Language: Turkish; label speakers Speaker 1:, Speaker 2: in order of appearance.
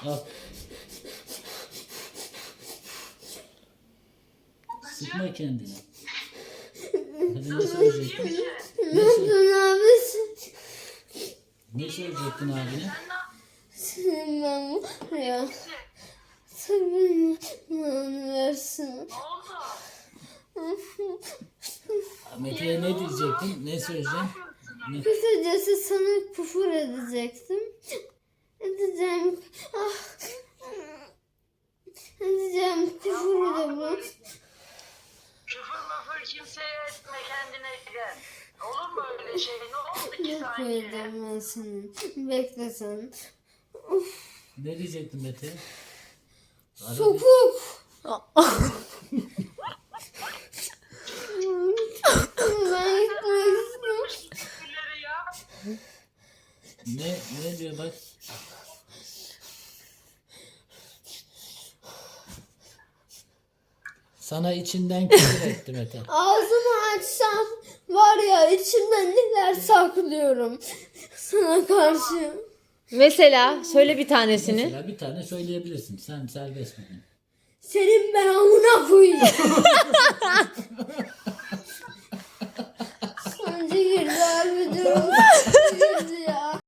Speaker 1: Al. Sıkma kendini. Hadi ne söyleyecektin? Ne söyleyecektin abine?
Speaker 2: Senin ben buraya. Tabii versin.
Speaker 1: Mete'ye ne diyecektin? Ne söyleyeceksin? Ne?
Speaker 2: Kısacası sana küfür edecektim. Edeceğim. Edeceğim küfür de bu.
Speaker 3: Küfür müfür kimseye etme, kendine gel. Olur mu öyle şey? Ne oldu ki
Speaker 2: Ne
Speaker 3: sanki?
Speaker 2: koyacağım ben senin? Bekle sen.
Speaker 1: Ne diyecektin Mete'ye?
Speaker 2: Topuk. Ben gitmek istiyorum.
Speaker 3: Küfürleri ya.
Speaker 1: Ne diyor bak? Sana içinden küfür etti Mete.
Speaker 2: Ağzımı açsam var ya içimden neler saklıyorum sana karşı.
Speaker 4: Mesela söyle bir tanesini.
Speaker 1: Mesela bir tane söyleyebilirsin. Sen serbest bugün.
Speaker 2: Senin ben amına koyayım.